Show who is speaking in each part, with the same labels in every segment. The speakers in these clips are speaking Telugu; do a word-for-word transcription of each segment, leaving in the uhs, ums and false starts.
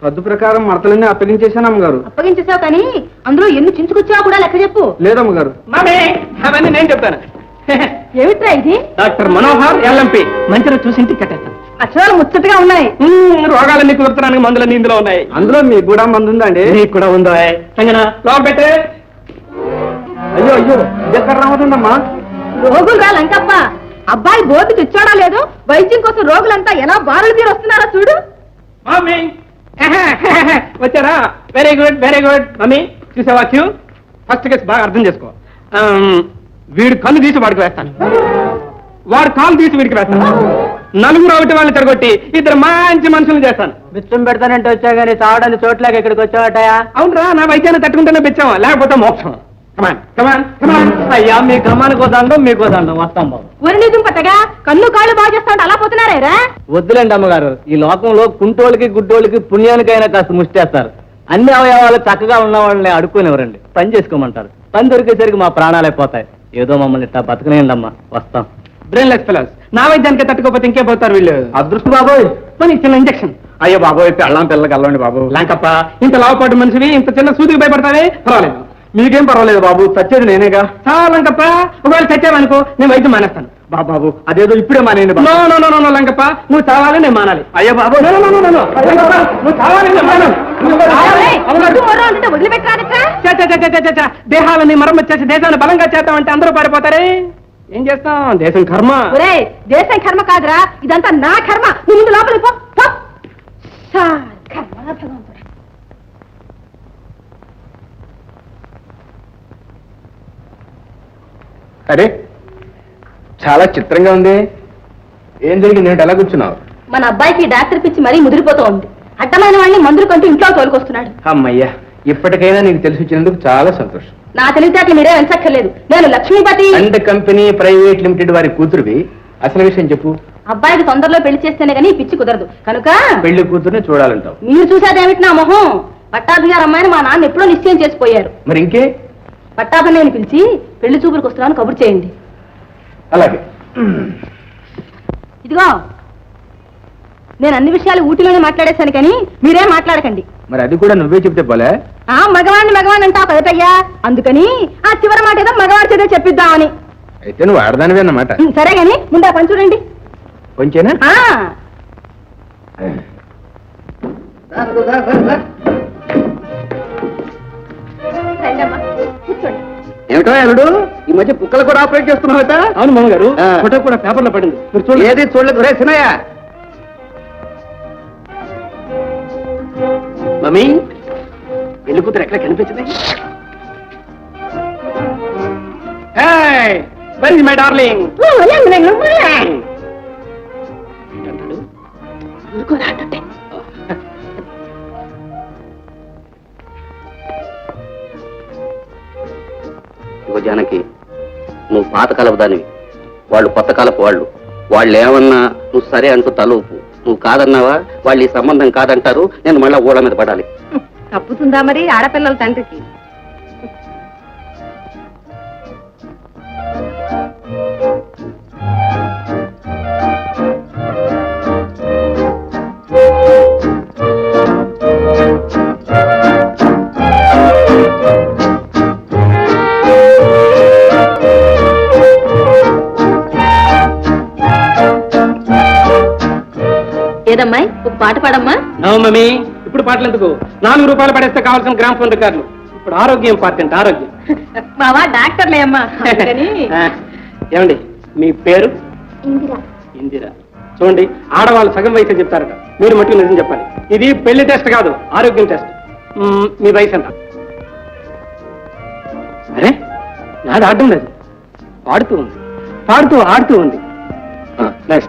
Speaker 1: పద్దు ప్రకారం మడతలన్నీ అప్పగించేశాను అమ్మగారు.
Speaker 2: అప్పగించేసావు కానీ అందులో ఎన్ని చించుకొచ్చావు కూడా లెక్క చెప్పు.
Speaker 1: లేదమ్మగారు.
Speaker 3: అవన్నీ నేను చెప్తాను.
Speaker 2: ఏమిట్రా ఇది?
Speaker 3: డాక్టర్ మనోహర్ ఎల్ఎంపి మంచిగా చూసి ఇంటికి కట్టేస్తాను.
Speaker 2: అక్షరాలు ముచ్చటగా ఉన్నాయి.
Speaker 3: రోగాలన్నీ కుదురుతున్నాను, మందులన్నీ ఇందులో ఉన్నాయి.
Speaker 1: అందులో మీకు కూడా మందు ఉందండి?
Speaker 3: నీకు కూడా ఉందో సంగనా లోపల పెట్టే.
Speaker 1: అయ్యో అయ్యో ఎక్కడ రావతుందమ్మా?
Speaker 2: రోగులు రా లంకప్ప, అబ్బాయి బోర్డు తెచ్చాడా లేదు, వైద్యం కోసం రోగులంతా ఎలా బారులు తీరు వస్తున్నారో చూడు.
Speaker 3: మమ్మీ వచ్చారా? Very good very good. Mummy చూసావా క్యూ? ఫస్ట్ కేసు బాగా అర్థం చేసుకో. వీడు కళ్ళు తీసి వాడికి వేస్తాను, వాడు కాలు తీసి వీడికి వేస్తాను. నలుగురు ఒకటి వాళ్ళని తిరగొట్టి ఇద్దరు మంచి మనుషులు చేస్తాను.
Speaker 1: బిచ్చం పెడతానంటే వచ్చా గానీ తావడానికి చోట్లకి ఇక్కడికి వచ్చావటయా?
Speaker 3: అవునరా, నా వైద్యాన్ని తట్టుకుంటేనే బిచ్చాం, లేకపోతే మోక్షం. కమాన్ కమాన్ కమాన్. అయ్యా మీ క్రమానికి దండం, మీకు దండం. వస్తాం బాబు.
Speaker 2: ఒరి పట్టగా కన్ను కాళ్ళు బాగా చేస్తా అలా పోతున్నారా?
Speaker 1: వద్దులేండి అమ్మగారు, ఈ లోకంలో కుంటోళ్ళకి గుడ్డోళ్ళకి పుణ్యానికైనా కాస్త ముష్టేస్తారు. అన్ని అవయవాలు చక్కగా ఉన్న వాళ్ళని అడుక్కునేవరండి, పని చేసుకోమంటారు. పని దొరికేసరికి మా ప్రాణాలే పోతాయి. ఏదో మమ్మల్ని ఇట్లా బతకనేయండి అమ్మా, వస్తాం.
Speaker 3: బ్రెయిన్లెస్ ఫెలోస్, నా వైద్యానికి తట్టుకోపోతే ఇంకే పోతారు వీళ్ళు.
Speaker 1: అదృష్టం బాబోయ్.
Speaker 3: మరి చిన్న ఇంజక్షన్.
Speaker 1: అయ్యో బాబోయ్, పెళ్ళం పిల్లకి వెళ్ళండి బాబు.
Speaker 3: లాంకప్ప, ఇంత లావుపాటు మనిషివి ఇంత చిన్న సూదికి భయపడతావే? పర్వాలేదు.
Speaker 1: మీకేం పర్వాలేదు బాబు, చచ్చేది నేనేగా.
Speaker 3: చాలా లంకప్ప, ఒకవేళ చచ్చావనుకో నేను వైద్యం మానేస్తాను.
Speaker 1: బాబు బాబు అదేదో ఇప్పుడే మానేయండి.
Speaker 3: No no no no Lankappa, నువ్వు చావాలి నేను మానాలి.
Speaker 1: అయ్యో బాబు,
Speaker 3: నువ్వు చావాలి నేను మానాలి.
Speaker 2: వదిలిపెట్టరా?
Speaker 3: దేహాలని మరమ్మతు చేసి దేశాన్ని బలంగా చేద్దామంటే అందరూ పారిపోతారే. ఏం చేస్తాం, దేశం కర్మ.
Speaker 2: ఒరే దేశం కర్మ కాదురా, ఇదంతా నా కర్మ. నువ్వు ముందు లోపలికి పో. కర్మ భగవంతుడా.
Speaker 1: అరే చాలా చిత్రంగా ఉంది. ఏం జరిగింది? నేను ఎలా కూర్చున్నావు?
Speaker 2: మన అబ్బాయికి డాక్టర్ పిచ్చి మరీ ముదిరిపోతూ ఉంది. అడ్డమైన వాడిని మందులు కంటూ ఇంట్లో తోలుకొస్తున్నాడు.
Speaker 1: అమ్మయ్యా, ఇప్పటికైనా నీకు తెలిసి వచ్చినందుకు చాలా సంతోషం.
Speaker 2: నా తెలివితేటలు మీరే వెంచక్కర్లేదు. నేను Lakshmipathi
Speaker 1: and company private limited వారి కూతురువి. అసలు విషయం చెప్పు.
Speaker 2: అబ్బాయికి తొందరలో పెళ్లి చేస్తేనే గానీ పిచ్చి కుదరదు కనుక
Speaker 1: పెళ్లి కూతురుని చూడాలంటావు.
Speaker 2: మీరు చూసేదేమిటి నా మొహం? పట్టాభి గారు అమ్మాయిని మా నాన్న ఎప్పుడో నిశ్చయం చేసిపోయారు.
Speaker 1: మరి ఇంకే?
Speaker 2: పట్టాభి నేను పిలిచి పెళ్లి చూపులకు వస్తున్నాను కబురు చేయండి.
Speaker 1: అలాగే.
Speaker 2: ఇదిగో నేను అన్ని విషయాలు ఊటీలోనే మాట్లాడేశాను కానీ మీరేం మాట్లాడకండి.
Speaker 1: మరి అది కూడా నువ్వే చెప్తే పోలే.
Speaker 2: ఆ మగవాణ్ణి మగవాణ్ణి అంటావు కదటయ్యా, అందుకని ఆ చివరి మాట ఏదో మగవాడి చేత చెప్పిద్దామని.
Speaker 1: అయితే నువ్వు ఆడదానివే అన్నమాట.
Speaker 2: సరే గాని ముందు ఆ పని చూడండి.
Speaker 1: కొంచెనా?
Speaker 2: కూర్చోండి.
Speaker 1: ఏమిటో అల్లుడు, ఈ మధ్య కుక్కలు కూడా ఆపరేట్ చేస్తున్నావట?
Speaker 3: అవును మామగారు, ఫోటో కూడా పేపర్లో పడింది. మీరు చూడండి.
Speaker 1: ఏది చూడలేదు? రే సినయ్య.
Speaker 3: మమ్మీ, పెళ్లి కూతురు ఎక్కడ కనిపించింది? Very my darling.
Speaker 4: జానకి, నువ్వు పాతకాలపు దానివి, వాళ్ళు కొత్త కాలపు వాళ్ళు. వాళ్ళు ఏమన్నా నువ్వు సరే అంటూ తలూపు. నువ్వు కాదన్నావా వాళ్ళు ఈ సంబంధం కాదంటారు, నేను మళ్ళా ఊళ్ళ మీద పడాలి.
Speaker 2: తప్పుతుందా మరి ఆడపిల్లల తండ్రికి? ఏదమ్మాయి ఒక పాట పాడమ్మా.
Speaker 3: నో మమ్మీ, ఇప్పుడు పాటలు ఎందుకు? నాలుగు రూపాయలు పడేస్తే కావాల్సిన గ్రామ్ ఫోన్ రికార్డులు. ఇప్పుడు ఆరోగ్యం పార్టీ అంటే ఆరోగ్యం.
Speaker 2: బావా డాక్టర్లే అమ్మా.
Speaker 3: ఏమండి మీ పేరు?
Speaker 2: ఇందిరా.
Speaker 3: ఇందిరా. చూడండి, ఆడవాళ్ళు సగం వయసు చెప్తారట, మీరు మట్టుకు నిజం చెప్పాలి. ఇది పెళ్లి టెస్ట్ కాదు, ఆరోగ్యం టెస్ట్. మీ వయసు ఎంత? అరే నాది ఆడడం లేదు, పాడుతూ ఉంది, పాడుతూ ఆడుతూ ఉంది. నెక్స్ట్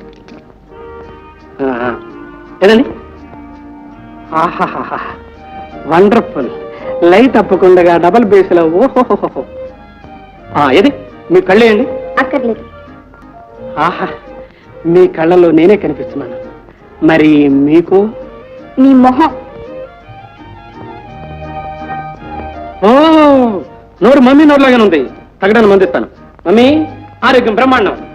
Speaker 3: ఏదండి? ఆహాహా, వండర్ఫుల్. లైట్ తప్పకుండా డబల్ బేస్లో. ఓహోహోహో. ఏది మీ కళ్ళేయండి.
Speaker 2: అక్కర్లేదు.
Speaker 3: ఆహా, మీ కళ్ళలో నేనే కనిపిస్తున్నాను. మరి మీకు?
Speaker 2: నీ మొహం.
Speaker 3: ఓ, నోరు మమ్మీ నోరులాగానే ఉంది. తగ్గడానికి మందిస్తాను. మమ్మీ ఆరోగ్యం బ్రహ్మాండం.